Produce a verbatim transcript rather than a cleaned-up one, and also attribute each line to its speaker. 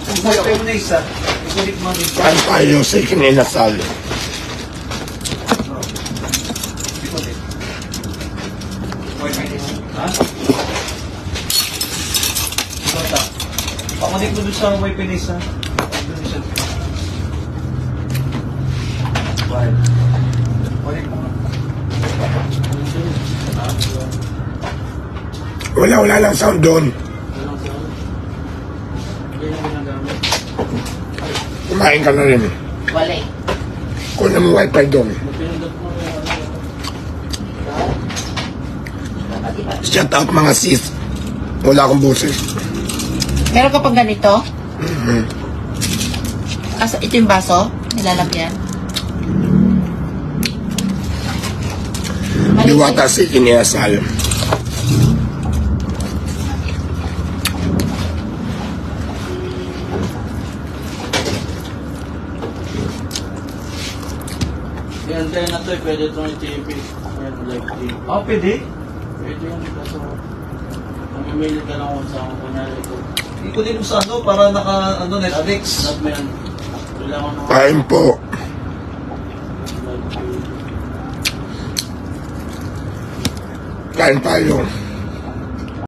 Speaker 1: Ipagpapay mo na isa. Ikulit mo din.
Speaker 2: Kain tayo sa ikinasal.
Speaker 1: Ikulit. Wifi na isa. Ha? Ikulit. Pakunik mo doon sa wifi na isa. Doon isa. Wifi. Kunik mo.
Speaker 2: Wala, wala lang sound doon. Kumain ka na rin.
Speaker 3: Wala eh.
Speaker 2: Kunin mo wifi doon. Shout out mga sis. Wala akong boses.
Speaker 3: Meron ka pang ganito?
Speaker 2: Mm-hmm.
Speaker 3: Asa, ito yung baso? Nilalagyan?
Speaker 2: Diwata sa ikinasal.
Speaker 4: Yan tayo na to, pwede itong i-T V. Yan, like T V.
Speaker 1: Ah, pwede?
Speaker 4: Pwede yung kaso. Mamimili ka lang kung saan kung kunyari ko.
Speaker 1: Ikutin mo sa ano para naka, ano, Netflix.
Speaker 4: Not may ano. Kailangan ng
Speaker 2: Kain po.
Speaker 4: like T V.
Speaker 2: Kain tayo.